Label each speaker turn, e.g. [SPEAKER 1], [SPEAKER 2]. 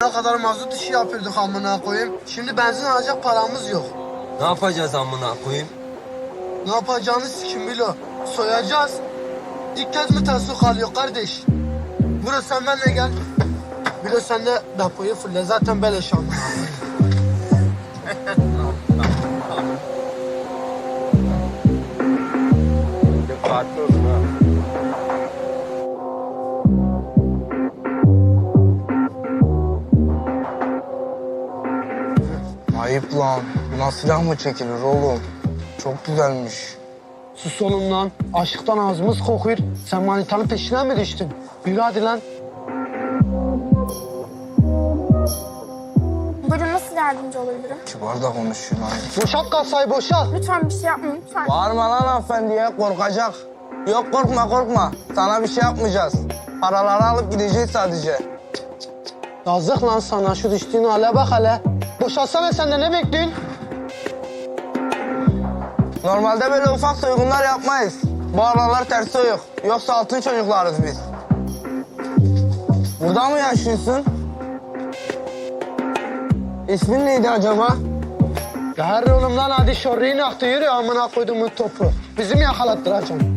[SPEAKER 1] Sabaha kadar mazot işi yapıyorduk amına koyayım. Şimdi benzin alacak paramız yok.
[SPEAKER 2] Ne yapacağız amına koyayım?
[SPEAKER 1] Ne yapacağını sikim Bilo. Soyacağız. İlk kez mi tasuk alıyor kardeş? Bro sen benimle gel. Bilo sen de depoyu fulle. Zaten beleş amına koyayım.
[SPEAKER 2] Dikkatli olun ha.
[SPEAKER 3] Ayıp lan. Buna silah mı çekilir oğlum? Çok güzelmiş.
[SPEAKER 1] Sus oğlum lan. Aşıktan ağzımız kokuyor. Sen manitanın peşine mi düştün? Yürü hadi lan.
[SPEAKER 4] Buyurun, nasıl yardımcı olabilirim?
[SPEAKER 3] Kibar da konuşuyor lan.
[SPEAKER 1] Boşalt kasayı boşalt.
[SPEAKER 4] Lütfen bir şey yapmayın, lütfen.
[SPEAKER 3] Bağırma lan hanımefendiye, korkacak. Yok korkma korkma. Sana bir şey yapmayacağız. Paraları alıp gideceğiz sadece.
[SPEAKER 1] Yazık lan sana, şu düştüğün hale bak hele. Boşalsana sen de, ne bekliyorsun?
[SPEAKER 3] Normalde böyle ufak soygunlar yapmayız. Bu aralar ters soyuk. Yoksa altın çocuklarız biz. Burada mı yaşıyorsun? İsmin neydi acaba?
[SPEAKER 1] Gel oğlum lan, hadi şorriyi aktı, yürü amına koyduğumun topu. Bizi mi yakalattıracaksın?